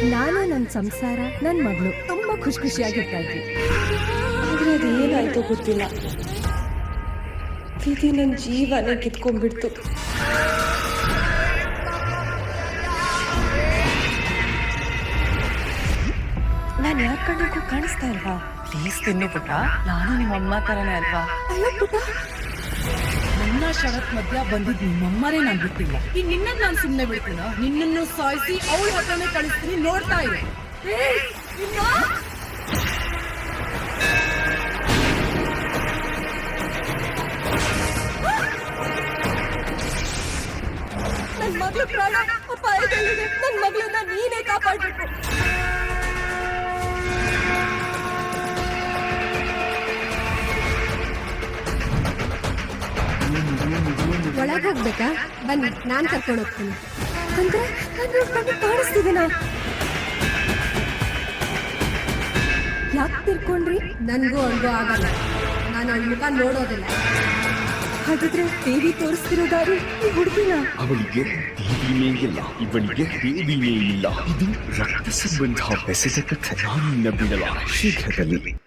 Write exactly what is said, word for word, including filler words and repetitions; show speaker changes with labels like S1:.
S1: ನಾನು ನನ್ನ ಸಂಸಾರ ನನ್ನ ಮಗಳು ತುಂಬಾ ಖುಷಿ ಖುಷಿಯಾಗಿರ್ತಾ ಇದ್ವಿ.
S2: ಆದ್ರೆ ಅದೇನಾಯ್ತೋ ಗೊತ್ತಿಲ್ಲ, ವಿಧಿ ನನ್ನ ಜೀವನ ಕಿತ್ಕೊಂಡ್ಬಿಡ್ತು.
S1: ನಾನು ಯಾರ ಕಣ್ಣಿಗೂ ಕಾಣಿಸ್ತಾ ಇಲ್ವಾ?
S3: ಪ್ಲೀಸ್ ತಿನ್ನು ಪುಟ್ಟ, ನಾನು ನಿಮ್ಮ ಅಮ್ಮ ತರನೇ ಅಲ್ವಾ?
S1: ಅಯ್ಯೋ ಪುಟ್ಟ,
S3: ನನ್ನ ಶರತ್ ಮಧ್ಯ ಬಂದಿದ್ ನಿಮ್ಮಮ್ಮರೇ ನಾನ್ ಬಿಟ್ಟಿಲ್ಲ. ಈಗ ನಿನ್ನ ನಾನು ಸುಮ್ಮನೆ ಬಿಡ್ತೀನ? ನಿನ್ನನ್ನು ಸಾಯಿಸಿ ಅವಳ ಹತ್ರನೇ ಕಳಿಸ್ತೀನಿ, ನೋಡ್ತಾ ಇರು.
S1: ನನ್ನ ಮಗಳು ಪ್ರಾಣ ಅಪಾಯದಲ್ಲಿದೆ. ನನ್ನ ಮಗಳನ್ನ ನೀನೇ ಕಾಪಾಡಬೇಕು. ಒಳಗೆ ಹೋಗ್ಬೇಕಾ? ಬನ್ನಿ, ನಾನ್ ಕರ್ಕೊಂಡು ಹೋಗ್ತೀನಿ. ಅಂದ್ರೆ ನಾನು ಕಾಣಿಸ್ತಿದ್ದೀನ? ಯಾಕೆ ತಿರ್ಕೊಂಡ್ರಿ? ನನ್ಗೂ ಅಲ್ಗೋ ಆಗಲ್ಲ, ನಾನು ಅವಳ ಮುಖ ನೋಡೋದಿಲ್ಲ. ಹಾಗಿದ್ರೆ ದೇವಿ ತೋರಿಸ್ತಿರೋ ದಾರಿ ಈ ಹುಡುಗಿನ?
S4: ಅವಳಿಗೆ ದೇವಿನೇ ಇಲ್ಲ, ಇವಳಿಗೆ ದೇವಿನೇ ಇಲ್ಲ. ಇದು ರಕ್ತ ಸಂಬಂಧ ಬೆಸೆದ ಕಥೆ. ನಾನು ಬಿಡಲ್ಲ ಶೀಘ್ರದಲ್ಲಿ.